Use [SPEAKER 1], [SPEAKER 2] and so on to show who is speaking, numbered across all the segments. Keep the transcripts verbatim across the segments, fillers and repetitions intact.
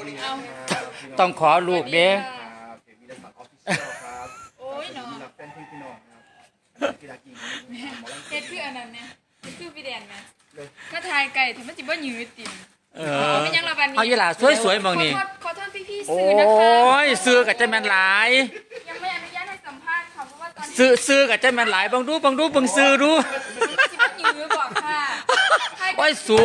[SPEAKER 1] ต้องขอลูกเด้
[SPEAKER 2] โอ้ยเนาะเฮ็ดคืออันนั้นเนี่ยเฮ็ดคือพี่แดนนะก็ทายไก่ถึงมันจิบ่ยืดติ่ม
[SPEAKER 1] เออ
[SPEAKER 2] ไม่ยังระบาดนี้
[SPEAKER 1] เอาอีหล่าสวยๆมองนี่
[SPEAKER 2] ขอโทษพี่ๆ
[SPEAKER 1] โอ้
[SPEAKER 2] สื่อนะคะ
[SPEAKER 1] ยซื้อกับเจ้าแม่นหลาย
[SPEAKER 2] ยังไม่อนุญาตให้สัมภาษณ์ค่ะเพราะว่าตอนนี้
[SPEAKER 1] ซื้อซื้อกับเจ้าแม่นหลายบังดูบังดูบังซื้อดู
[SPEAKER 2] จิบ่ยืดบอกค่ะ
[SPEAKER 1] โอ้ยสู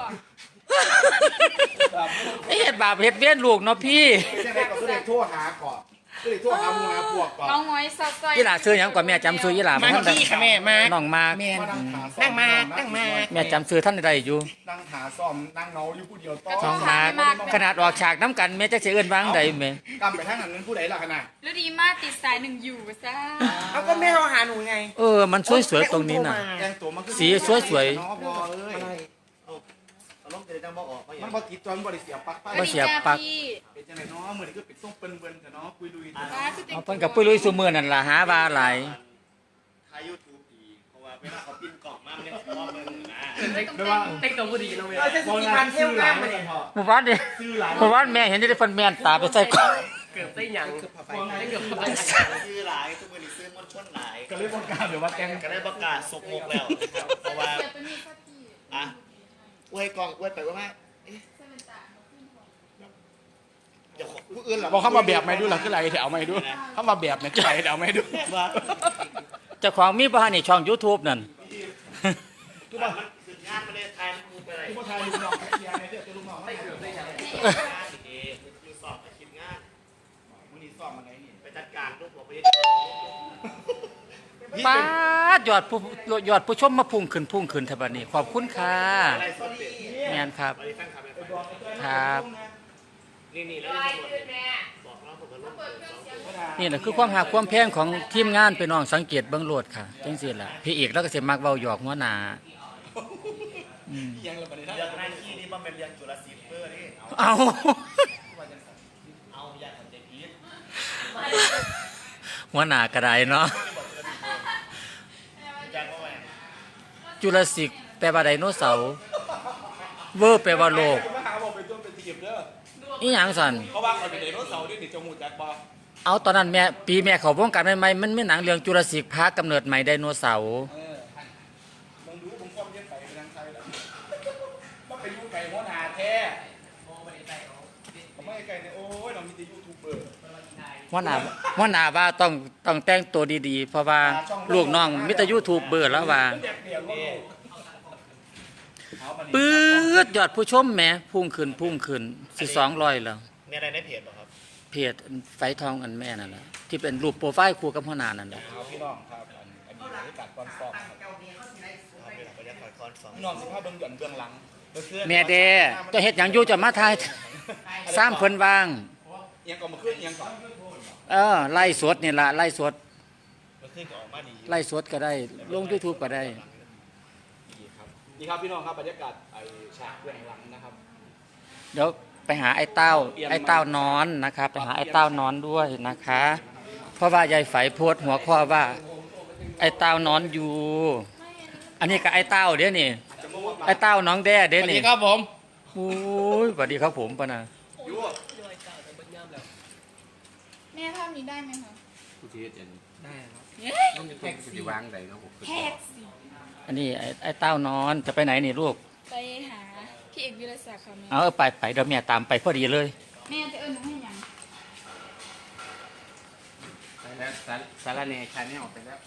[SPEAKER 1] เฮ็ดบาปเฮ็ดเวียนลูกเนาะพี่
[SPEAKER 3] ใช่ไหมก็เลยโทรหาก่อนก็เลยโทรหาหมู่หาพวกก่อน
[SPEAKER 2] น้องง้อยซอย
[SPEAKER 1] อีหล่าซื้อหยังก่อนแม่จำซื้ออีหล่า
[SPEAKER 4] มาที่ค่ะแม่มา
[SPEAKER 1] น้องมา
[SPEAKER 4] แม่นั่งมานั่งมา
[SPEAKER 1] แม่จำซื้อท่านใดอยู่
[SPEAKER 3] นั่งหาซ่อมนั่งเนาอยู่ผู้เดียวต้
[SPEAKER 1] น้องมาขนาดออกฉากน้ำกันแม่จะเสียเอิ้นวางใดแม่
[SPEAKER 3] กำไปทางนั้นนั้นผู้ใดล่ะขนาด
[SPEAKER 2] แล้วดีมากติดสายหนึ่งอยู่ซะ
[SPEAKER 4] เอาก็แม่เราหาหนูไง
[SPEAKER 1] เออมันสวยๆตรงนี้น่ะสีสวยๆ
[SPEAKER 3] มันบ่ติดจนบ่ได้เสียปัก
[SPEAKER 1] บ่เสียปัก
[SPEAKER 3] เป็นจังได๋เนาะมื้อนี้ก็เป็นส่งเปิ้นๆแต่เนาะคุยลุยแต่
[SPEAKER 1] เอาเพิ่นกับปุ้ยลุยซุมื้อนั่นล่ะหาว่าหลาย
[SPEAKER 5] ถ่าย YouTube อีกเพราะว่าเวลาเขาปิ้นกล่องมามันยังมองเบิ่งนะ
[SPEAKER 3] ไม่ว่า
[SPEAKER 4] เต็กตัวบ่ดีเนาะแม่บ่มีพันเที่ยวงามมานี่
[SPEAKER 1] หมู่บ้านเด้หมู่บ้านแม่เห็นได้เพิ่นแม่นตาไปใส่กล่อง
[SPEAKER 4] เกือบได้หยังเกือบได้เกือบได้
[SPEAKER 5] ซื้อหลายทุกมื้อนี้ซื้อมวลชนหลาย
[SPEAKER 3] ก็เลยบ่กล้าแบบว่าแกง
[SPEAKER 5] ก็ได้ประกาศสกมกแล้วเพราะว่าอ่ะอวยกล่องอวยไปว่ามา
[SPEAKER 3] บอกเข้ามาแบบไม่ดูหรอคือไรแถวไม่ดูเข้ามาแบบเนี่ยคือไรแถวไม่ดู
[SPEAKER 1] เจ้าของมีบ้านนี่ช่อง YouTube นั่น
[SPEAKER 5] ทุกบ้านมันสึกงานมาเลยทายมันไปอะไร
[SPEAKER 3] ทุกคนทายลูกน้องเชียร์ในเรื่องลูกน้องให้เกือบได้ยัง
[SPEAKER 5] อยู่สอบไปคิดงาน
[SPEAKER 3] มึงนี่สอบมาไงนี่
[SPEAKER 5] ไปจัดการลูกบอกไป
[SPEAKER 1] ป้ายอดผู้ยอดผู้ชมมาพุ่งขึ้นพุ่งขึ้นท่าบัดนี้ขอบคุณค่ะแม่นครับครับ
[SPEAKER 5] นี่นี่แล้วบอกเราผมก็ลง
[SPEAKER 1] นี่แหละคือความหักความแพงของทีมงานพี่น้องสังเกตเบิ่งโลดค่ะจังซี่ล่ะพี่เอกแล้วก็สิมักเว้าหยอกหัวหน้า
[SPEAKER 5] อืมยังละบัดนี้เรื่องหน้าที่นี่บ่แม่นเรื่องจุลศิลป์เด้อนี่
[SPEAKER 1] เอา
[SPEAKER 5] เอาอย่าเข้าใจผิด
[SPEAKER 1] หัวหน้าก็ได้เนาะจุลศิลป์แปลว่าไดโนเสาร์เวอร์แปลว่าโลกอีหยังสั่น
[SPEAKER 3] เขาว่าเขาเป็นไดโนเสาร์ที่นี่จมูกจักบ่
[SPEAKER 1] เอาตอนนั้นแม่ปีแม่เขาวงการใหม่ๆมันมีหนังเรื่องจุลศิลป์พากำเนิดใหม่ไดโนเสาร์
[SPEAKER 3] เออมึงดูผมความเย็นไปเป็นทางไทยแล้วมันเป็นยูไก่หัวหน้าแท้ผมไม่ไก่เนี่ยโอ้ยเรามีแต่ยูทูบเบอร์
[SPEAKER 1] หัวหน้าหัวหน้าว่าต้องต้องแต่งตัวดีๆเพราะว่าลูกน้องมีแต่ยูทูบเบอร์แล้วว่าปื๊ดยอดผู้ชมแหมพุ่งขึ้นพุ่งขึ้นสิสองร้อยแล้ว
[SPEAKER 5] มีอะไรในเพจบ่ครับ
[SPEAKER 1] เพจไฟทองอันแม่นั่นแหละที่เป็นรูปโปรไฟล์คู่กับหัวหน้านั่นแหละ
[SPEAKER 3] พี่น้องครับอันนี้กัดก้อนฟองพี่น้องสิภาพเบื้องหย่อนเบื้องหลัง
[SPEAKER 1] แม่เด้จะเฮ็ดหยังอยู่จะมาทายสามเพิ่นวาง
[SPEAKER 3] เอียงก่อนมาขึ้นเอียงก่อน
[SPEAKER 1] เออไล่สดนี่ล่ะไล่สด
[SPEAKER 5] มาขึ้นก็ออกมาดี
[SPEAKER 1] ไล่สดก็ได้ลง YouTube ก็ได้
[SPEAKER 3] นี่ครับพี่น้องครับบรรยากาศไอ้ฉากเบื้องหลังนะครับ
[SPEAKER 1] เดี๋ยวไปหาไอ้เต้าไอ้เต้านอนนะครับไปหาไอ้เต้านอนด้วยนะคะเพราะว่ายายไฝโพสหัวข้อว่าไอ้เต้านอนอยู่อันนี้ก็ไอ้เต้าเด้นี่ไอ้เต้าน้องแด้เด้นี่
[SPEAKER 3] สวัสดีครับผม
[SPEAKER 1] โอ้ยสวัสดีครับผมปะนะ
[SPEAKER 2] แม่ภาพนี้ได้ไหมคะ
[SPEAKER 3] ผู้ที่เห็นได้ครับ
[SPEAKER 2] ต้อง
[SPEAKER 3] จะต้องจะวางไหนครับผม
[SPEAKER 2] แท็กซี่
[SPEAKER 1] อันนี้ไอ้ไอ้เต้านอนจะไปไหนนี่ลูก
[SPEAKER 2] ไปหาพี่เอกวิรศักดิ์ค่ะแม่
[SPEAKER 1] เอาไปไปเดี๋ยวแม่ตามไปพอดีเลย
[SPEAKER 2] แม่จะเอิ้นหนูให้ยัง
[SPEAKER 3] ไปแล้วสารเนชาแนลไปแล้ว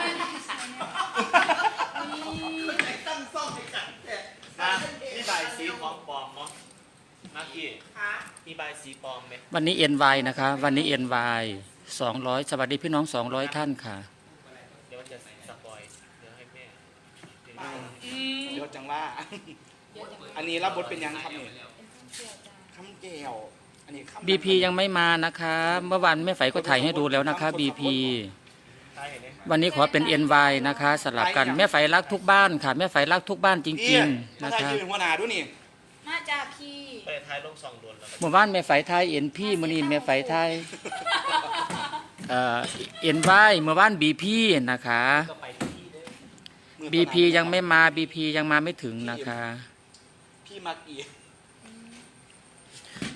[SPEAKER 5] ตั้งซ่อมให้กันนี่ใบสีของปลอมมั้งนักกี้มีใบสีปลอมไหม
[SPEAKER 1] วันนี้ เอ็น วาย นะคะวันนี้ เอ็น วาย สองร้อยสวัสดีพี่น้องสองร้อยท่านค่ะ
[SPEAKER 5] เดี๋ยวจะสปอยเดี๋ยวให้แม่
[SPEAKER 3] เดี๋ยวจังว่าอันนี้รับบทเป็นยังครับเนี่ยคำแก้วอันนี้
[SPEAKER 1] บี พี ยังไม่มานะคะเมื่อวานแม่ไฝก็ถ่ายให้ดูแล้วนะคะ บี พี วันนี้ขอเป็น เอ็น วาย นะคะสลับกันแม่ไฝรักทุกบ้านค่ะแม่ไฝรักทุกบ้านจริงๆนะคะ
[SPEAKER 3] หัวหน้าด้วยนี่
[SPEAKER 2] น่าจะพี่
[SPEAKER 5] ไปท้ายลงซองโดนแล้ว
[SPEAKER 1] เมื่อวานแม่ไฝไทยเอ็นพี่มื้อนี้แม่ไฝไทยเอ่อเอ็น วาย เมื่อวาน บี พี นะคะ บี พี ยังไม่มา บี พี ยังมาไม่ถึงนะคะ
[SPEAKER 3] พี่มักอี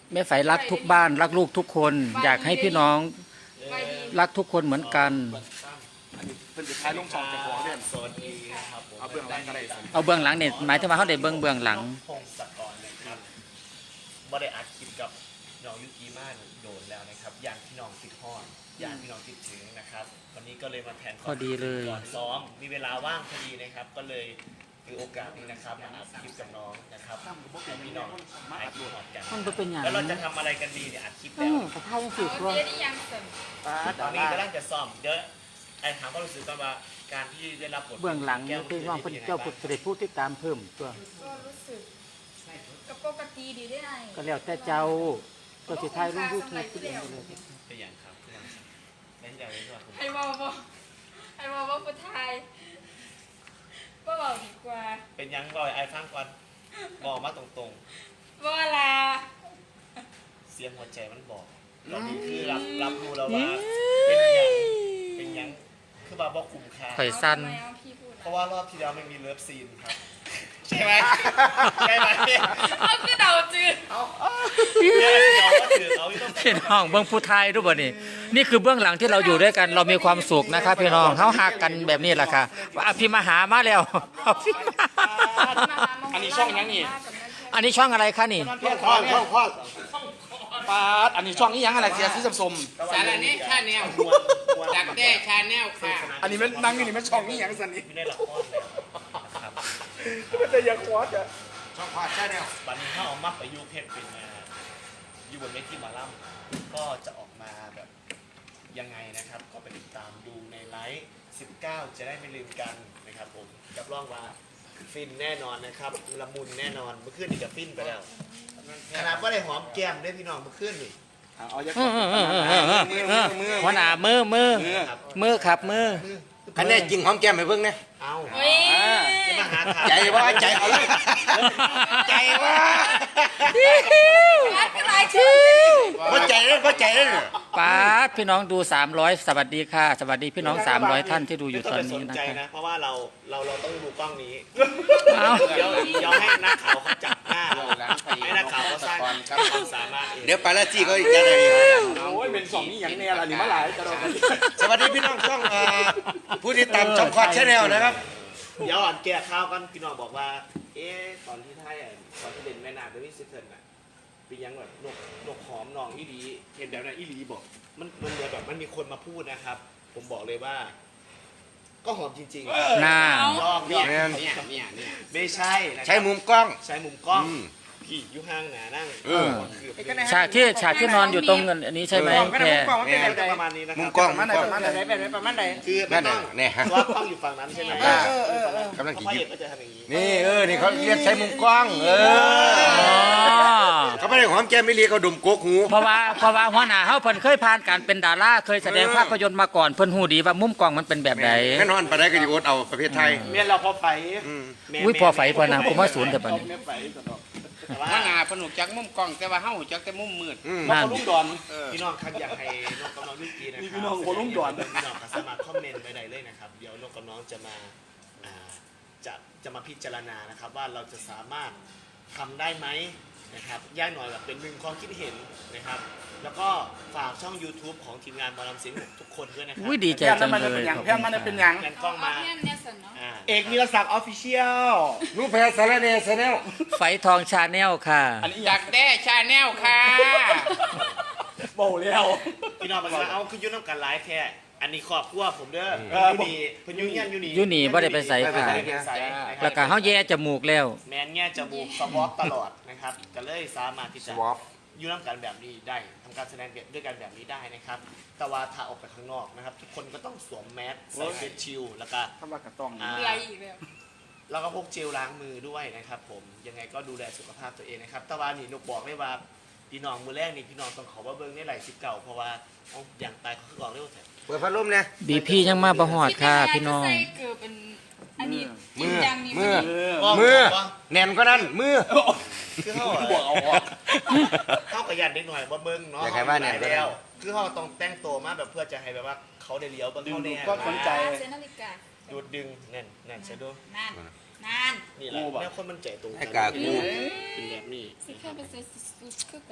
[SPEAKER 1] แม่ไฝรักทุกบ้านรักลูกทุกคน อยากให้พี่น้อง
[SPEAKER 2] ไปดี
[SPEAKER 1] รักทุกคนเหมือนกัน
[SPEAKER 3] อันนี้เป็นสุดท้ายลงช่องจากหัวเด่น
[SPEAKER 5] สวัสดีครับผม
[SPEAKER 3] เอาเบื้องหลังก็ได้สิ
[SPEAKER 1] เอาเบื้องหลังเนี่ยหมายถึงว่าเขาได้เบื้องเบื้องหลัง
[SPEAKER 5] พงศกรนะครับบ่ได้อัดคลิปกับน้องยุกิมาโดนแล้วนะครับอย่างพี่น้องติดฮอดอย่างพี่น้องติดถึงนะครับวันนี้ก็เลยมาแทน
[SPEAKER 1] พอดีเลย
[SPEAKER 5] ก่อนซ้อมมีเวลาว่างพอดีนะครับ ก็เลยถือโอกาสนี้นะครับมาอัดคลิปกับน้องนะครับให้พี่น้องหายคิดฮอดกัน
[SPEAKER 1] มันบ่เป็นอย่าง
[SPEAKER 5] แล้วเราจะทำอะไรกันดีเนี่ยอัดคลิป
[SPEAKER 1] อื
[SPEAKER 5] แล้ว
[SPEAKER 1] มกระทายยังสิ
[SPEAKER 2] เอา
[SPEAKER 1] ตัว
[SPEAKER 2] เจ๊ได้ยังเสริม
[SPEAKER 5] ตอนนี้กำลังจะซ้อมเดี๋ยวไอ้ถามความรู้สึกก่อนว่าการที่ได้รับบท
[SPEAKER 1] เบื้องหลัง
[SPEAKER 5] แก้ว
[SPEAKER 1] พี่น้องเพิ่นเจ้าผู้ได้ผู้ติดตามเพิ่มตัว
[SPEAKER 2] ก็รู้สึกกับปกติดีได้ไง
[SPEAKER 1] ก็แล้วแต่เจ้าก็สิทายลง YouTube ทุกอย่างเลย
[SPEAKER 5] เป็นอย่างครับเล่นอย่างนี้ก่อนผม
[SPEAKER 2] ให้บอกบอกให้บอกว่าผู้ชายก็บอกดีกว่า
[SPEAKER 5] เป็นยังบ่อยไอ้ฟังก่อนบอกมาตรง
[SPEAKER 2] ว่าลา
[SPEAKER 5] ๆ เสียงหัวใจมันบอกตอนนี้คือรับรับรู้แล้วว่าเป็นยังเป็นยังคือว่าบอกคุ้มค่า
[SPEAKER 1] ข่อยสั้น
[SPEAKER 2] เอาทำไมเอาพี่พูด
[SPEAKER 5] เพ
[SPEAKER 2] อะ
[SPEAKER 5] ราะว่ารอบที่แล้วไม่มีเลิฟซีนครับใช่ไหมใช่ไหม
[SPEAKER 2] เอาคือเดาจืด
[SPEAKER 5] เนี่ยเราก็ถือเอาที่ต้อง
[SPEAKER 1] พี่น้องเบื้องผู้ไทยรู้บ่นี่นี่คือเบื้องหลังที่เราอยู่ด้วยกันเรามีความสุขนะครับพี่น้องเฮาหักกันแบบนี้แหละค่ะว่าอภิมหามาแล้ว อภิมหา
[SPEAKER 3] อันนี้ช่องยังนี่
[SPEAKER 1] อันนี้ช่องอะไรคะนี่
[SPEAKER 3] ช่องพ่อช่องพ่อปาดอันนี้ช่องนี้ยังอะไรเสียสีสม
[SPEAKER 4] สารนี้ชาแนลดักแด้ชาแนลค่ะ
[SPEAKER 3] ๆอันนี้มันนั่งอยู่นี่มันช่องนี้ยังสันนี่
[SPEAKER 5] ไม่ได้ละครเลยนะครับ
[SPEAKER 3] มันจะยังควอดอ่ะช่องพ่อใช่แนว
[SPEAKER 5] วันนี้ถ้าเอามาประยุกต์เพชรเป็นมาอยู่บนเวทีหมอลำก็จะออกมาแบบยังไงนะครับ ก็ไปติดตามดูในไลฟ์สิบเก้าจะได้ไม่ลืมกันนะครับผมรับรองว่าฟินแน่นอนนะครับละมุนแน่นอนเมื่อคืนนี่กับฟินไปแล้วขนาดว่าได้หอมแก้มได้พี่น้องเมื่อคืนนี่
[SPEAKER 3] เอาอย่า
[SPEAKER 1] เออเออเออเออเออเออหัวหน้ามือมือมือครับมือ
[SPEAKER 6] อันนี้จริงหอมแก้มไปเบิ่งนะ
[SPEAKER 5] เอา
[SPEAKER 2] เฮ้ย
[SPEAKER 5] จะมาหาทาง
[SPEAKER 6] ใจว่าใจเอาเลยใจว่า
[SPEAKER 2] รักหลายชื่อ
[SPEAKER 6] ว่าใจเลยว่าใจเลย
[SPEAKER 1] ป้าดพี่น้องดูสามร้อยสวัสดีค่ะ สวัสดีพี่น้องสามร้อยท่านที่ดูอยู่
[SPEAKER 5] ไม่
[SPEAKER 1] ต
[SPEAKER 5] ต้
[SPEAKER 1] อ
[SPEAKER 5] อน งไปส
[SPEAKER 1] นี้
[SPEAKER 5] น
[SPEAKER 1] นะ
[SPEAKER 5] ใจ
[SPEAKER 1] ครับ
[SPEAKER 5] นะ เพราะว่าเราเราเราต้องดูกล้องนี้
[SPEAKER 1] เอา
[SPEAKER 5] เดี๋ยวเดี๋ยวให้นักข่าวเขาจับหน้าเราให้นักข่าวเขาสร้างความสามารถเอง
[SPEAKER 6] เดี๋ยวปาราจีก็จะได้
[SPEAKER 3] โอ้ยเป็นสองนี้อย่างแน่ละนี่มาหลายกระโดด
[SPEAKER 6] สวัสดีพี่น้องช่องเอ่อผู้ที่ตามช่องคอดชาแนลนะครับ
[SPEAKER 5] เดี๋ยวอ่อนแก้ข่าวกันพี่น้องบอกว่า เอ๊ะตอนที่ไทยอ่ะตอนที่เด่นแม่นาเดวิสเทิร์นอ่ะเป็นยังแบบนกนกหอมนองอีหลีเห็นแบบนั้นอีหลีบอกมันมันเหมือนแบบมันมีคนมาพูดนะครับ ผมบอกเลยว่า ก็หอมจริงๆ
[SPEAKER 1] หน้า
[SPEAKER 5] ลองเนี่ย
[SPEAKER 6] เนี่ย
[SPEAKER 5] เนี่ยเนี่ยเนี่ยไม่ใช่นะครับ
[SPEAKER 6] ใช้มุมกล้อง
[SPEAKER 5] ใช้มุมกล้อง
[SPEAKER 6] อืม
[SPEAKER 5] พี่อยู่ห่างหนานั่ง
[SPEAKER 6] เออ
[SPEAKER 5] คือ
[SPEAKER 1] ฉากที่ฉากที่นอนอยู่ตรงอันนี้ใช่ไหม
[SPEAKER 3] กล้องก็ได้
[SPEAKER 1] แค่
[SPEAKER 3] มุมกล้องมันเป็นแบบใด
[SPEAKER 5] ประมาณนี้นะค
[SPEAKER 6] มุ
[SPEAKER 5] รั
[SPEAKER 6] มกล้อง
[SPEAKER 3] ประมาณไหน
[SPEAKER 6] มุมกล้อง
[SPEAKER 3] ประมาณไหนแบบไหนประมาณไหน
[SPEAKER 5] คือไม่
[SPEAKER 6] นั่น
[SPEAKER 5] ต้
[SPEAKER 6] น่ะ
[SPEAKER 5] อง
[SPEAKER 6] เนี่ยฮะ
[SPEAKER 5] เพราะว่ากล้องอยู่ฝั่งนั้นใช่ไหม
[SPEAKER 6] อ่า
[SPEAKER 3] เออเออเออ
[SPEAKER 6] กำลัง
[SPEAKER 5] เพ
[SPEAKER 6] กิน
[SPEAKER 5] ราะ
[SPEAKER 6] อ
[SPEAKER 5] เอก
[SPEAKER 6] ยู่
[SPEAKER 5] ก็จะทำอย่างนี้
[SPEAKER 6] นี่เออนี่เขาเรียกใช้มุมกล้อง เอ
[SPEAKER 1] อ๋
[SPEAKER 6] อ
[SPEAKER 1] อ
[SPEAKER 6] เขาไม่ได้หอมแก้มไม่เรียกเขาดมโกกหู
[SPEAKER 1] เพราะว่าเพราะว่าหัวหน้าเฮาเพิ่นเคยผ่านการเป็นดาราเคยแสดงภาพยนตร์มาก่อนเพิ่นฮู้ดีว่ามุมกล้องมันเป็นแบบใด
[SPEAKER 6] แม่นอนปานใดก็อยู่อดเอาประเภทไทย
[SPEAKER 5] เมียนเราพอไฟ
[SPEAKER 6] อืม
[SPEAKER 5] แม่
[SPEAKER 1] อุ้ยพอไฟพอนางผมว่าศูนย์แต่บัดนี้
[SPEAKER 3] ไม่ไปสนอก
[SPEAKER 5] แต่ว่า
[SPEAKER 4] ว่าหนาพนุกจักมุมกล้องแต่ว่าเฮาจักแต่มุมมืด
[SPEAKER 6] อืม
[SPEAKER 3] มาคนลุ่มดอน
[SPEAKER 5] พี่น้องครับอยากให้นกกับน้องยุกีนะครับ
[SPEAKER 3] นี่พี่น้องคนรุ่งด่วน
[SPEAKER 5] พี่น้องก็สามารถคอมเมนต์ไปได้เลยนะครับ เดี๋ยวนกกับน้องจะมาอ่าจะจะมาพิจารณานะครับ ว่าเราจะสามารถทำได้ไหมนะครับย่าหน่อยแบบเป็นหนึ่งความคิดเห็นนะครับ แล้วก็ฝากช่อง YouTube ของทีมงานบอลลัมซิงทุกคนด้วยนะครั
[SPEAKER 1] อุ้ยดีใจ
[SPEAKER 3] แพน
[SPEAKER 1] จั
[SPEAKER 3] นั้น
[SPEAKER 1] ง
[SPEAKER 3] มัน
[SPEAKER 1] เล
[SPEAKER 3] เป็น
[SPEAKER 1] ย
[SPEAKER 3] อย่าง
[SPEAKER 1] ขอบ
[SPEAKER 3] แพ
[SPEAKER 1] คุ
[SPEAKER 3] น
[SPEAKER 1] ณ
[SPEAKER 3] มันเป็นอ
[SPEAKER 1] ค่ะ
[SPEAKER 3] ย่าง
[SPEAKER 5] แกนกล้องมา
[SPEAKER 2] เเนี่ยเนี่ยสันเนาะ
[SPEAKER 5] อ่า
[SPEAKER 3] เอกนิรศักดิ์ออฟฟิเชียล
[SPEAKER 6] รูปแพรสารเนสแนล
[SPEAKER 1] ไฟทองชาแนลค่ะ
[SPEAKER 3] อันนี้
[SPEAKER 4] ดักแด้ชาแนลค่ะ
[SPEAKER 3] โบแล้ว
[SPEAKER 5] พี่น้องมาเอาคือยุ่น้ำกันไลฟ์แค่อันนี้ขอบครัวผมเด้อ
[SPEAKER 3] เออ
[SPEAKER 5] ยูนีเพิ่นยุ่งยันยูนี
[SPEAKER 1] ยูนี่บ่ได้ไปใส่ค่ะ
[SPEAKER 5] บ่ได้ไปใส่นะครับ
[SPEAKER 1] แล้วก็เฮาแย่จมูกแล้ว
[SPEAKER 5] แมนแง่จมูกสวอปตลอดนะครับก็เลยสามารถที่
[SPEAKER 6] ส
[SPEAKER 5] จะ
[SPEAKER 6] วอป
[SPEAKER 5] ยุ่น้ำกันแบบนี้ได้ทำการแสดงด้วยกันแบบนี้ได้นะครับ แต่ว่าถ้าออกไปข้างนอกนะครับ ทุกคนก็ต้องสวมแมสใส่เฟสชิลแล้วก็
[SPEAKER 3] ทำว่ากระต้อง
[SPEAKER 5] อ่า
[SPEAKER 2] อะไรอีกแล้ว
[SPEAKER 5] แล้วก็พกเจลล้างมือด้วยนะครับผมยังไงก็ดูแลสุขภาพตัวเองนะครับแต่ว่านี่นกบอกเลยว่าพี่น้องมือแรกนี่พี่น้องต้องขอว่าเบิ้งในไหลสิบเก่าเพราะว่าเอาอย่างตายเขาคือบอกเร็วแท้
[SPEAKER 6] เปิดพัดลมเนี่ย
[SPEAKER 1] บีพียังมาบ่ฮอดค่ะ พี่น้อง
[SPEAKER 2] ใส่เกือบเป็นอันนี้
[SPEAKER 6] มือ
[SPEAKER 2] ยังนี่
[SPEAKER 6] มือ
[SPEAKER 3] เออ
[SPEAKER 6] มือแน่นก็นั่นมือ
[SPEAKER 5] คือเขา
[SPEAKER 3] บวกเอาออก
[SPEAKER 5] เขากระยันเด็กหน่อยว่าเบิ้งเนาะ
[SPEAKER 6] อยากให้ว่าเนี่ย
[SPEAKER 5] แล้วคือเขาต้องแต่งตัวมาแบบเพื่อจะให้แบบว่าเขาได้เลี้ยวเบิ้ง
[SPEAKER 3] ดึง
[SPEAKER 5] เขา
[SPEAKER 3] ดู
[SPEAKER 5] แน่
[SPEAKER 3] ก็สนใจ
[SPEAKER 2] เซนาฬิกา
[SPEAKER 5] ดูดดึงนั่นนั่นใช่ดู
[SPEAKER 2] นานนาน
[SPEAKER 5] นี่แหละ
[SPEAKER 3] กูบอก
[SPEAKER 5] แนวคนมันใจตรง
[SPEAKER 6] ให้กากู
[SPEAKER 5] เป็นแบบนี้
[SPEAKER 2] สิแค่ไปใส่สุดคือกัน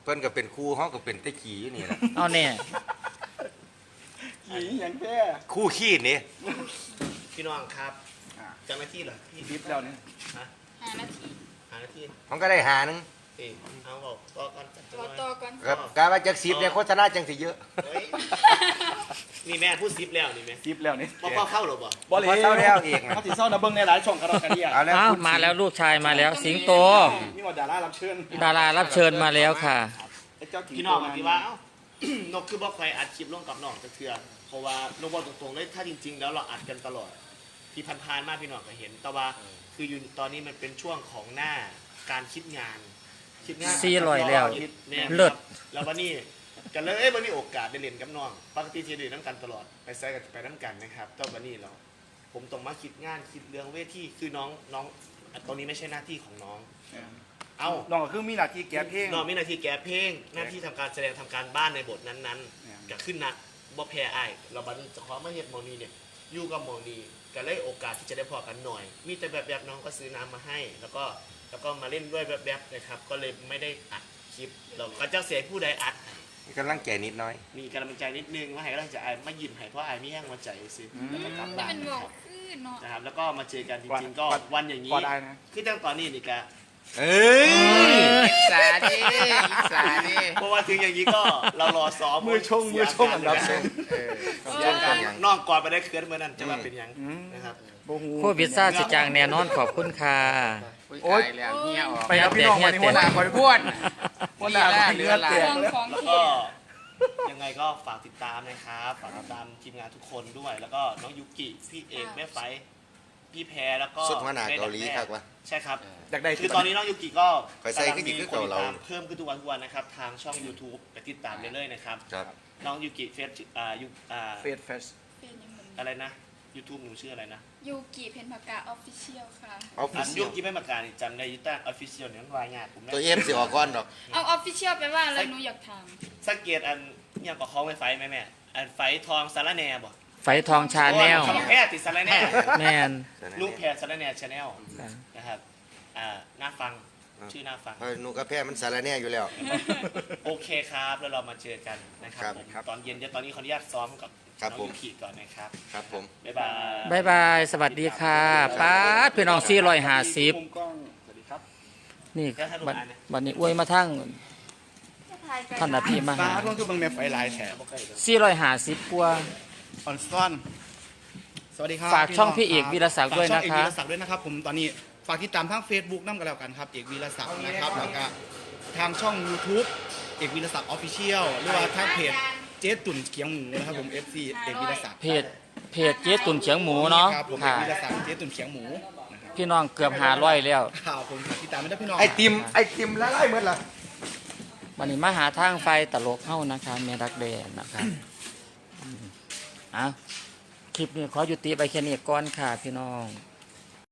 [SPEAKER 6] เพิ่นก็เป็นครูเฮาก็เป็นตะขี้นี่แหละ
[SPEAKER 1] เอาเนี่ย
[SPEAKER 3] ขี่อย่างแท้
[SPEAKER 6] ครูขี้นี่
[SPEAKER 5] พี่น้องครับเจ้าหน้าที่เหรอพี่
[SPEAKER 3] ดิฟแล้วเนี่ย
[SPEAKER 5] ฮะ
[SPEAKER 2] หานาที
[SPEAKER 5] หาหน้าที่
[SPEAKER 6] มันก็ได้หาหนึง
[SPEAKER 5] เอ้ยเอาบอกก็ก่อนจัด
[SPEAKER 2] รอ
[SPEAKER 5] หน่อย
[SPEAKER 2] ต่อก่อน
[SPEAKER 6] ครับกาว่าจักสิบเนี่ยโฆษณาจังสิเยอะ
[SPEAKER 5] เฮ้ยนี่แม่พูดซิปแล้วนี่แม่
[SPEAKER 3] ดิฟแล้วเนี่ย
[SPEAKER 5] บอกพ่อเข้าหรอบ่
[SPEAKER 3] บอลเลย
[SPEAKER 6] พอเศร้าแล้วอีกนะ
[SPEAKER 3] เขาติดเศร้านะเบิ้งในหลายช่องกระดอกกระเดีย
[SPEAKER 6] เอาแล้ว
[SPEAKER 1] อ้าว
[SPEAKER 6] คุณ
[SPEAKER 1] มาแล้วลูกชายมาแล้ว สิงโต
[SPEAKER 3] นี่ว่าดารารับเชิญ
[SPEAKER 1] ดารารับเชิญมาแล้วค่ะ
[SPEAKER 3] ไอ้เจ้าถิ่
[SPEAKER 5] พี่น้องบอกที่ว่าเอ้านกคือบอกใครอัดคลิปร่วมกับน้องจะเถื่อเพราะว่านกบอกตรงๆเลยถ้าจริง ๆ แล้วเราอัดกันตลอด ที่พันๆมากพี่น้องก็เห็น แต่ว่าคืออยู่ตอนนี้มันเป็นช่วงของหน้าการคิดงาน คิดงาน
[SPEAKER 1] สี่ร้อยแล้ว
[SPEAKER 5] คิดแน่
[SPEAKER 1] เลิศ
[SPEAKER 5] แล้ววันนี้กันเลยเอ้ยวันนี้โอกาสได้เรียนกับน้องปกติจะเรียนน้ำกันตลอดไปไซกันไปน้ำกันนะครับแต่วันนี้เรา ผมต้องมาคิดงานคิดเรื่องเวทีคือน้องน้องตรงนี้ไม่ใช่หน้าที่ของน้อง เอ้า
[SPEAKER 3] น้องก็คือมีหน้าที่แก้เพลง
[SPEAKER 5] น้องมีหน้าที่แก้เพลงหน้าที่ทำการแสดงทำการบ้านในบทนั้น
[SPEAKER 3] เนี่ย
[SPEAKER 5] ๆก็ขึ้นนักบ่แพ้อ้ายเราบัดนี้เจะขอมาเฮ็ดหมอนีเนี่ยอยู่กับหมอนีก็เลยโอกาสที่จะได้พอกันหน่อย มีแต่แบบแบบๆน้องก็ซื้อน้ำมาให้ แล้วก็แล้วก็มาเล่นด้วยแบบแบบๆนะครับ ก็เลยไม่ได้อัดคลิปเราก็จะเสียผู้ใดอัดให้
[SPEAKER 6] มีกำลังใจนิดน้อย
[SPEAKER 5] มีกำลังใจนิดนึงว่าให้กำลังใจอ้ายมายิ้มให้เพราะอ้ายมีแห้งหัวใจสิแล้วก็กลับ
[SPEAKER 2] นี่
[SPEAKER 5] บ้าน
[SPEAKER 2] เป็น
[SPEAKER 5] นะ
[SPEAKER 2] บ
[SPEAKER 5] ค
[SPEAKER 2] อ
[SPEAKER 5] รั
[SPEAKER 2] ก
[SPEAKER 5] บ
[SPEAKER 2] คือเนาะ
[SPEAKER 5] นะครับ แล้วก็มาเจอกันจริงๆก็วันอย่างนี้
[SPEAKER 3] พอได้นะ
[SPEAKER 5] คือตั้งตอนนี้นี่ก็
[SPEAKER 6] เอ้ย
[SPEAKER 4] อิสาดิอิสาดิ
[SPEAKER 5] เพราะว่าถึงอย่างนี้ก็เรารอซ้อม
[SPEAKER 3] มือชงมือชงอันดับสอง
[SPEAKER 4] เออ
[SPEAKER 5] เสียการนอกก่อนไปได้เคลื่อนเมื่อนั้นจะมาเป็นหยัง
[SPEAKER 3] อืม
[SPEAKER 5] นะครับ
[SPEAKER 3] โบฮู
[SPEAKER 1] โควิดซ่าสิจางแน่นอนขอบคุณค่ะ
[SPEAKER 4] โอ๊ยตายแล้วเฮียออก
[SPEAKER 3] ไปกับพี่น้องวันนี้หัวหน้าคอย
[SPEAKER 4] บ้วน
[SPEAKER 3] หัวหน้าคอยเลือดแตก
[SPEAKER 2] เรื่อง
[SPEAKER 3] เลย
[SPEAKER 2] ของ
[SPEAKER 5] แล้ว
[SPEAKER 2] เที
[SPEAKER 5] ก็
[SPEAKER 2] ย
[SPEAKER 5] ยังไงก็ฝากติดตามนะครับฝากติดตามทีมงานทุกคนด้วย แล้วก็น้องยุกิพี่เอกแม่ไฟพี่แพรแล้วก็
[SPEAKER 6] สุดหัวหน้าเกาหลีครับวะ
[SPEAKER 5] ใช่ครับ
[SPEAKER 3] อยากได้
[SPEAKER 5] คือตอนนี้น้องยุกิก็
[SPEAKER 6] ไปใส่ขึ้นอีกคือเก่าเรา
[SPEAKER 5] กำลังมีคนติดตมเพิ่มขึ้นทุกวันทุกวันนะครับทางช่อง YouTube ไปติดตามเรื่อยๆนะครับ
[SPEAKER 6] ครับ
[SPEAKER 5] น้องยุกิเฟซอ่ายุอ่า
[SPEAKER 3] เฟสเฟส
[SPEAKER 2] เป็นยังไง
[SPEAKER 5] อะไรนะ YouTube หนูชื่ออะไรนะ
[SPEAKER 2] ยูกิเพนพากาออฟฟิเชียลค่ะ
[SPEAKER 6] ออฟฟิ
[SPEAKER 5] อัน
[SPEAKER 6] เชี
[SPEAKER 5] ยุ
[SPEAKER 6] ยล
[SPEAKER 5] กิไม่มาการนี่จำได้ยุต้าออฟฟิเชียลเนี่ยมันวายงานผม
[SPEAKER 6] ตัว
[SPEAKER 5] นะ
[SPEAKER 6] เอฟสิออกก้อนดอก
[SPEAKER 2] เอาออฟฟิเชียลไปว่าอะไรหนูอยากถาม
[SPEAKER 5] สังเกตอันเนี่ยก็คล้องไฟไฟไหมแม่อันไฟทองสารแหน่บ่
[SPEAKER 1] ไฟทองชาแนล
[SPEAKER 5] โอ้ยแพทย์ติดสารแหน่
[SPEAKER 1] แมน
[SPEAKER 5] ลูกแพทย์สารแหน่ชาแนล
[SPEAKER 1] ค่ะ
[SPEAKER 5] นะครับอ่าน่าฟัง
[SPEAKER 6] อ่า
[SPEAKER 5] ชื่อน่าฟัง
[SPEAKER 6] เพราะหนูกับแพ้มันสารแหน่อยู่แล้ว
[SPEAKER 5] โอเคครับแล้วเรามาเจอกันนะครับ
[SPEAKER 6] ครับ
[SPEAKER 5] ผม
[SPEAKER 6] ครับ
[SPEAKER 5] ตอนเย็นเดี๋ยวตอนนี้ขออนุญาตซ้อมกับ
[SPEAKER 6] ครับ
[SPEAKER 5] น้อง
[SPEAKER 6] ผม
[SPEAKER 5] ยูกิก่อนนะครับ
[SPEAKER 6] ครับผม
[SPEAKER 5] บ๊ายบาย
[SPEAKER 1] บายบาย สวัสดีค่ะป้าดพี่น้องสี่ร้อยห้าสิบ
[SPEAKER 3] มุมกล้องสวัสดีครับ
[SPEAKER 1] นี่บัดบัดนี้อวยมาทั้งท่านอภิมา
[SPEAKER 3] ฟ้า
[SPEAKER 1] หา
[SPEAKER 3] ต้องคือบังแม่ไฟลายแถบ
[SPEAKER 1] สี่ร้อยห้าสิบกว่า
[SPEAKER 3] ออนซ่อนสวัสดีครับ
[SPEAKER 1] ฝากช่องพี่เอกวีรศักดิ์ด้วยนะคะ
[SPEAKER 3] ฝากช่องเอกวีรศักดิ์ด้วยนะครับผมตอนนี้ฝากติดตามทาง Facebook นั่นกันแล้วกันครับเอกวีรศักดิ์นะครับแล้วก็ทางช่อง YouTube เอกวีรศักดิ์ออฟฟิเชียลหรือว่าทางเพจเจ๊ตุ่นเคียงหมูนะครับผม เอฟ ซี เอกวีรศักดิ์
[SPEAKER 1] เพจเพจเจ๊ตุ่นเฉียงหมูเนาะ
[SPEAKER 3] ครับผมเอ
[SPEAKER 1] ค่ะ
[SPEAKER 3] กวีรศักดิ์เจ๊ตุ่นเคียงหมูนะครับ
[SPEAKER 1] พี่น้องเกือบหาร้อยแล้ว
[SPEAKER 3] ข่าวผมฝากติดตามไม่ได้พี่น้อง
[SPEAKER 6] ไอติมไอติมละลายหมดละ
[SPEAKER 1] วันนี้มาหาทางไฟตลกเข้านะคะเมรักแดนนะคะอืมเอ่ะคลิปนี้ขอยุติไปแค่นี้ก่อนค่ะพี่น้อง